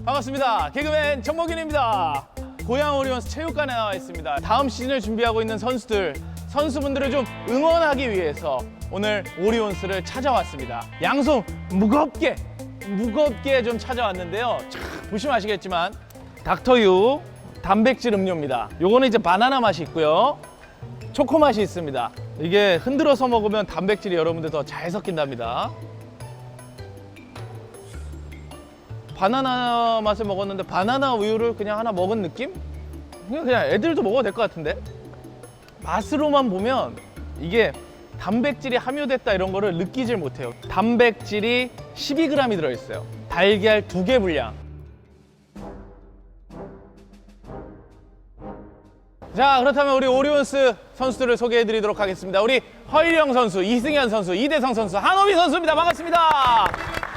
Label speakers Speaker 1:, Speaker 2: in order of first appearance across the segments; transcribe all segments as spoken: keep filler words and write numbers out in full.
Speaker 1: 반갑습니다. 개그맨 정목윤입니다. 고양 오리온스 체육관에 나와 있습니다. 다음 시즌을 준비하고 있는 선수들, 선수분들을 좀 응원하기 위해서 오늘 오리온스를 찾아왔습니다. 양손 무겁게, 무겁게 좀 찾아왔는데요. 자, 보시면 아시겠지만 닥터유 단백질 음료입니다. 요거는 이제 바나나 맛이 있고요. 초코 맛이 있습니다. 이게 흔들어서 먹으면 단백질이 여러분들 더 잘 섞인답니다. 바나나 맛을 먹었는데 바나나 우유를 그냥 하나 먹은 느낌? 그냥, 그냥 애들도 먹어도 될 것 같은데? 맛으로만 보면 이게 단백질이 함유됐다 이런 거를 느끼질 못해요. 단백질이 십이 그램이 들어있어요. 달걀 두 개 분량. 자, 그렇다면 우리 오리온스 선수들을 소개해 드리도록 하겠습니다. 우리 허일영 선수, 이승현 선수, 이대성 선수, 한호빈 선수입니다. 반갑습니다.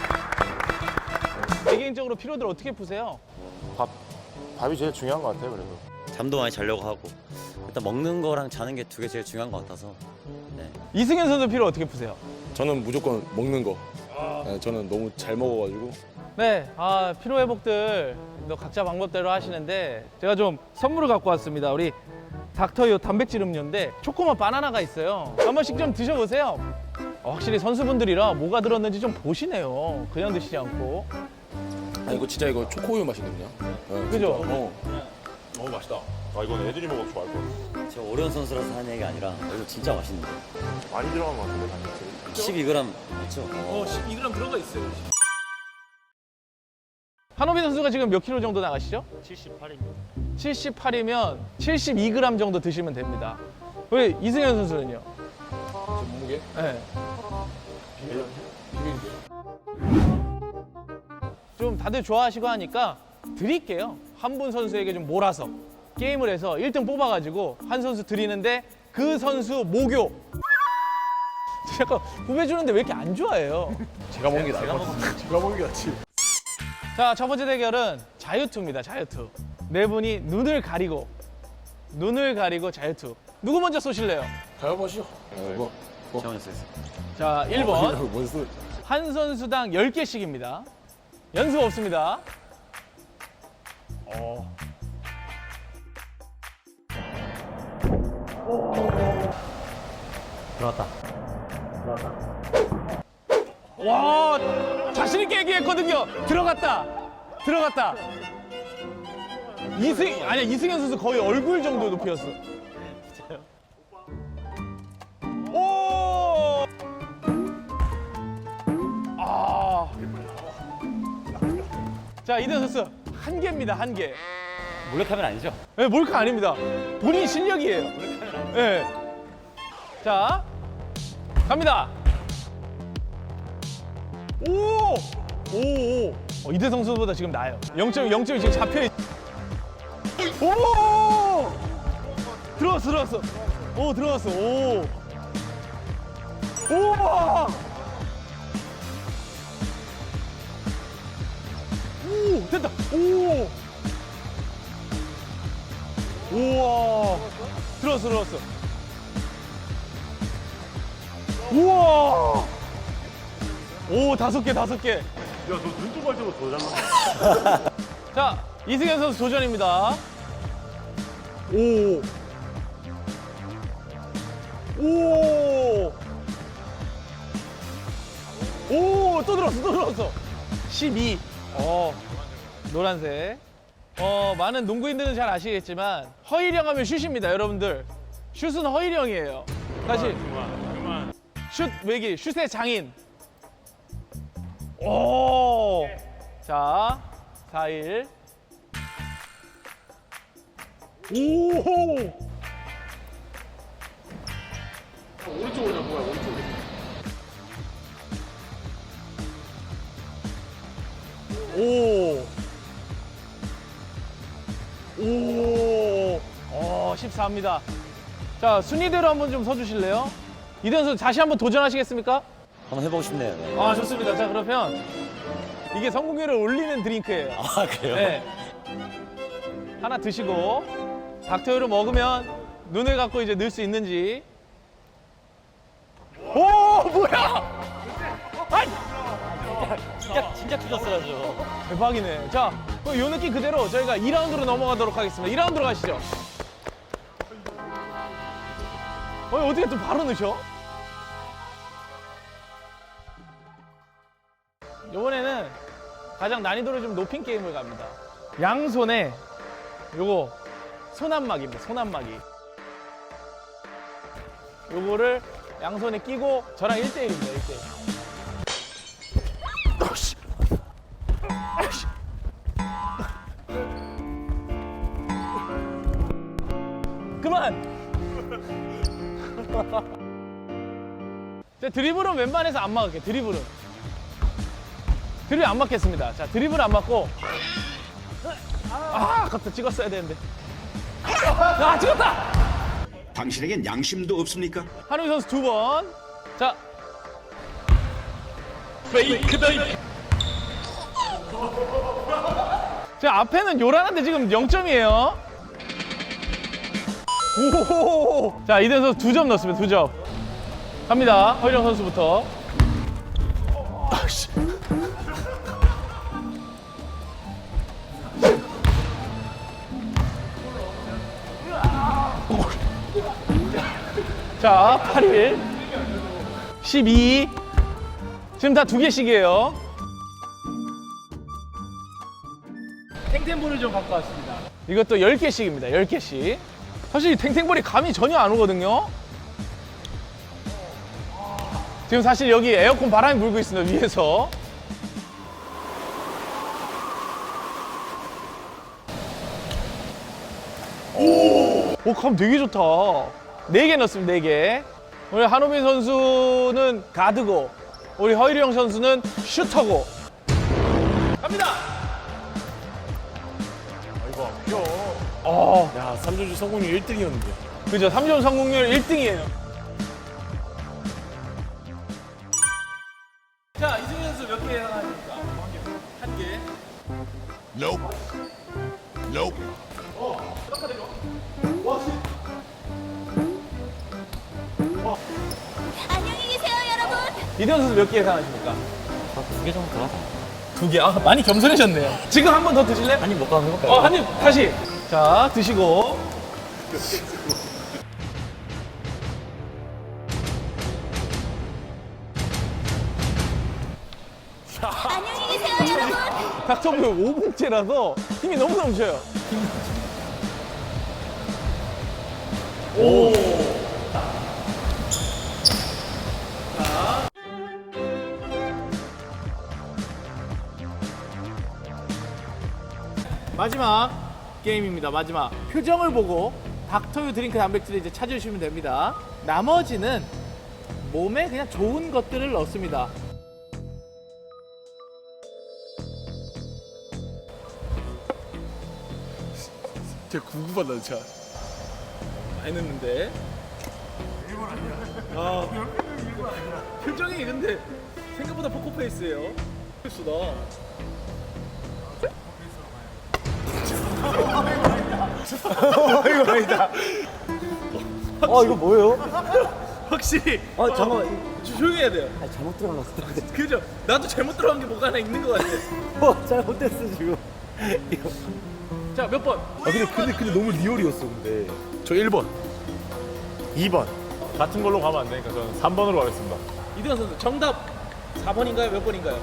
Speaker 1: 개인적으로 피로들 어떻게 푸세요?
Speaker 2: 밥, 밥이 제일 중요한 것 같아요. 그래도
Speaker 3: 잠도 많이 자려고 하고 일단 먹는 거랑 자는 게 두 개 제일 중요한 것 같아서. 네.
Speaker 1: 이승현 선수 피로 어떻게 푸세요?
Speaker 4: 저는 무조건 먹는 거. 네, 저는 너무 잘 먹어가지고.
Speaker 1: 네, 아, 피로 회복들 너 각자 방법대로 하시는데 제가 좀 선물을 갖고 왔습니다. 우리 닥터유 단백질 음료인데 초코맛 바나나가 있어요. 한 번씩 좀 드셔보세요. 어, 확실히 선수분들이라 뭐가 들었는지 좀 보시네요. 그냥 드시지 않고.
Speaker 4: 아 이거 진짜 이거 초코우유 맛이거든요. 네,
Speaker 1: 그죠?
Speaker 4: 진짜. 어.
Speaker 2: 너무 맛있다. 아 이건 애들이 먹어도 좋아할 거야.
Speaker 3: 제가 오리온 선수라서 하는 얘기 아니라 이거 진짜 맛있는데.
Speaker 2: 많이 들어간 것 같은데 단백질.
Speaker 3: 십이 그램 맞죠?
Speaker 1: 어, 십이 그램 들어가 있어요. 한호빈 선수가 지금 몇 킬로 정도 나가시죠?
Speaker 3: 칠십팔입니다.
Speaker 1: 칠십팔이면 칠십이 그램 정도 드시면 됩니다. 우리 이승현 선수는요?
Speaker 4: 지금 몸무게?
Speaker 1: 네. 좀 다들 좋아하시고 하니까 드릴게요. 한 분 선수에게 좀 몰아서 게임을 해서 일 등 뽑아가지고 한 선수 드리는데 그 선수 모교. 약간 구매주는데 왜 이렇게 안 좋아해요?
Speaker 4: 제가 먹는 게 나을 것 같아. 제가 먹는 게 낫지.
Speaker 1: 자, 첫 번째 대결은 자유투입니다. 자유투. 네 분이 눈을 가리고 눈을 가리고 자유투. 누구 먼저 쏘실래요?
Speaker 4: 가위바위보. 뭐? 뭐?
Speaker 3: 제가 먼저 했어요.
Speaker 1: 자, 일 번.
Speaker 4: 뭔 소리?
Speaker 1: 한 선수당 열 개씩입니다. 연습 없습니다. 어.
Speaker 3: 들어왔다.
Speaker 1: 와, 자신 있게 얘기했거든요. 들어갔다. 들어갔다. 이승 아니야, 이승현 선수 거의 얼굴 정도 높이였어. 오! 아. 자, 이대 선수 한 개입니다. 한 개.
Speaker 3: 몰래카메라 아니죠?
Speaker 1: 네, 몰카 아닙니다. 본인 실력이에요. 네. 자, 갑니다. 오! 오! 오! 어, 이대성 선수보다 지금 나아요. 영 점 영 점이 지금 잡혀있. 오! 들어왔어, 들어왔어. 오, 들어왔어. 오! 우와! 오! 됐다. 오! 우와! 들어왔어, 들어왔어. 우와! 오, 다섯 개, 다섯 개.
Speaker 2: 야, 너 눈좀 갈 때보다 더 잘났네.
Speaker 1: 자, 이승현 선수 도전입니다. 오. 오. 오, 또 들어왔어, 또 들어왔어. 십이. 어, 노란색. 어, 많은 농구인들은 잘 아시겠지만 허일영 하면 슛입니다, 여러분들. 슛은 허일영이에요. 다시. 슛 외길, 슛의 장인. 오. 자, 사 일. 오.
Speaker 4: 오른쪽으로 뭐야 오른쪽으로.
Speaker 1: 오. 오. 어, 십사입니다. 자, 순위대로 한번 좀 서주실래요? 이대현 선수 다시 한번 도전하시겠습니까?
Speaker 3: 한번 해보고 싶네요. 네.
Speaker 1: 아, 좋습니다. 자, 그러면 이게 성공률을 올리는 드링크예요.
Speaker 3: 아 그래요?
Speaker 1: 네. 하나 드시고 닥터유를 먹으면 눈을 감고 이제 넣을 수 있는지. 오, 뭐야? 아이,
Speaker 3: 진짜 진짜 틀렸어가지고.
Speaker 1: 대박이네. 자, 이 느낌 그대로 저희가 이 라운드로 넘어가도록 하겠습니다. 이 라운드로 가시죠. 어, 어떻게 또 바로 넣으셔? 이번에는 가장 난이도를 좀 높인 게임을 갑니다. 양손에 요거 손안막입니다. 손안막이. 요거를 양손에 끼고 저랑 일 대 일입니다. 일 대 일. 그만! 자, 드리블은 웬만해서 안 막을게. 드리블은 드리블 안 맞겠습니다. 자, 드리블 안 맞고. 아, 아깝다. 찍었어야 되는데. 아, 찍었다!
Speaker 5: 당신에겐 양심도 없습니까?
Speaker 1: 한우희 선수 두 번. 자. 페이크 다이브. 자, 앞에는 요란한데 지금 영 점이에요. 오. 자, 이대현 선수 두 점 넣었습니다. 두 점. 갑니다. 허일영 선수부터. 아씨. 자, 팔 일. 십이. 지금 다 두 개씩이에요. 탱탱볼을 좀 갖고 왔습니다. 이것도 열 개씩입니다. 열 개씩. 사실 이 탱탱볼이 감이 전혀 안 오거든요. 지금 사실 여기 에어컨 바람이 불고 있습니다. 위에서. 오, 오, 감 되게 좋다. 네 개 넣었습니다. 네 개. 우리 한우빈 선수는 가드고 우리 허일영 선수는 슈터고. 갑니다.
Speaker 2: 아이고 귀여워.
Speaker 1: 어,
Speaker 2: 야 삼 점슛 성공률 일 등이었는데.
Speaker 1: 그죠. 삼 점 성공률 일 등이에요. 자, 이승현 선수 몇 개 예상하십니까? 한 개. 한 개.
Speaker 5: Nope. Nope.
Speaker 6: 안녕히 계세요, 여러분.
Speaker 1: 이대현 선수 몇 개 예상하십니까?
Speaker 3: 두 개 정도 들어가자.
Speaker 1: 두 개. 아, 많이 겸손해졌네요. 지금 한 번 더 드실래?
Speaker 3: 한입 먹고 한번 해볼까요?
Speaker 1: 어, 한 입 다시. 자, 드시고.
Speaker 6: 안녕히 계세요, 여러분.
Speaker 1: 닥터블 오 분째라서 힘이 너무 넘쳐요. 오. 자. 마지막 게임입니다. 마지막. 표정을 보고 닥터유 드링크 단백질을 이제 찾으시면 됩니다. 나머지는 몸에 그냥 좋은 것들을 넣습니다.
Speaker 2: 진짜 궁금하다 진짜.
Speaker 1: 많이 넣는데. 일본 아니야. 아. 표정이 근데 생각보다 포커페이스예요. 수다. 이거 아니다.
Speaker 3: 어 이거 뭐예요?
Speaker 1: 확실히.
Speaker 3: 아 잠깐만.
Speaker 1: 조- 조용히 해야 돼요.
Speaker 3: 아 잘못 들어갔어.
Speaker 1: 그죠? 나도 잘못 들어간 게 뭐가 하나 있는 것 같아.
Speaker 3: 어 잘못됐어 지금.
Speaker 1: 자, 몇 번?
Speaker 2: 아 근데 근데 근데 너무 리얼이었어 근데. 저 일 번. 이 번. 같은 걸로 가면 안 되니까 저는 삼 번으로 가겠습니다.
Speaker 1: 이대현 선수 정답 사 번인가요? 몇 번인가요?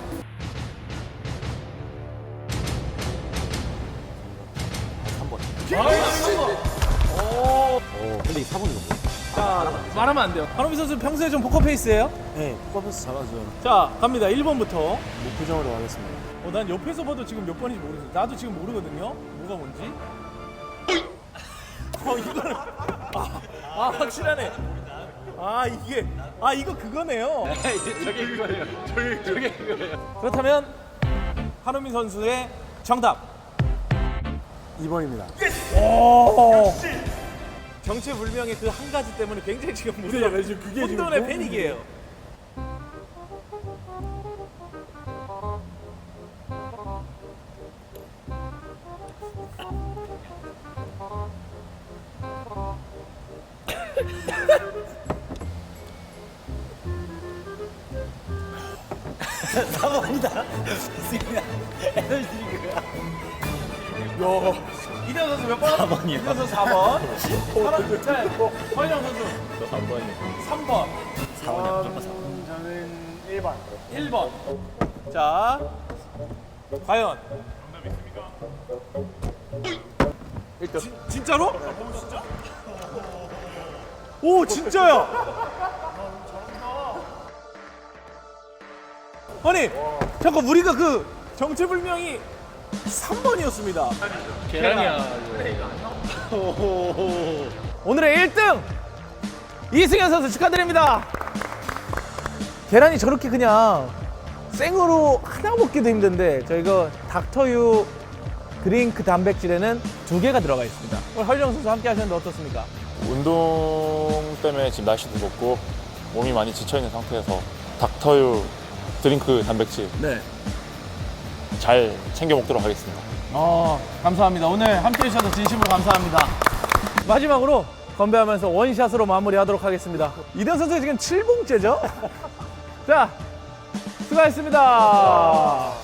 Speaker 3: 삼 번.
Speaker 1: 아, 삼 번. 오.
Speaker 3: 어 근데 이 사 번이 너무.
Speaker 1: 자, 말하면 안 돼요. 한호민 선수 평소에 좀 포커페이스예요?
Speaker 3: 네 포커스 잘하죠.
Speaker 1: 자, 갑니다. 일 번부터.
Speaker 3: 무표정으로 가겠습니다.
Speaker 1: 어, 난 옆에서 봐도 지금 몇 번인지 모르겠어요. 나도 지금 모르거든요. 뭐가 뭔지. 어, 이거는 아, 아 확실하네. 아, 이게 아 이거 그거네요.
Speaker 2: 저게 그거예요. 저게 저게 그거예요.
Speaker 1: 그렇다면 한호민 선수의 정답.
Speaker 3: 이 번입니다.
Speaker 1: 오. 정체불명의 그 한 가지 때문에 굉장히 지금 무려
Speaker 3: 그게 지금
Speaker 1: 혼돈의
Speaker 3: 너무
Speaker 1: 패닉이에요.
Speaker 3: 사 번이다. 에너지 드링크야.
Speaker 1: 이대현 선수 몇 번? 사 번이요. 이대현 선수 사 번. 사람, 네. 허인영 선수.
Speaker 2: 저 삼 번이요.
Speaker 1: 삼 번.
Speaker 3: 사 번이요. 무조건 사 번.
Speaker 1: 저는 일 번. 일 번. 자, 과연. 일단. 진, 진짜로? 오, 진짜야. 아니, 잠깐 우리가 그 정체불명이 삼 번이었습니다. 계란이야. 오늘의 일 등 이승현 선수 축하드립니다. 계란이 저렇게 그냥 생으로 하나 먹기도 힘든데 저희가 닥터유 드링크 단백질에는 두 개가 들어가 있습니다. 오늘 허일영 선수 함께 하셨는데 어떻습니까?
Speaker 2: 운동 때문에 지금 날씨도 덥고 몸이 많이 지쳐있는 상태에서 닥터유 드링크 단백질
Speaker 1: 네.
Speaker 2: 잘 챙겨 먹도록 하겠습니다.
Speaker 1: 어, 감사합니다. 오늘 함께 해주셔서 진심으로 감사합니다. 마지막으로 건배하면서 원샷으로 마무리하도록 하겠습니다. 이대현 선수 지금 칠 봉째죠? 자, 수고하셨습니다.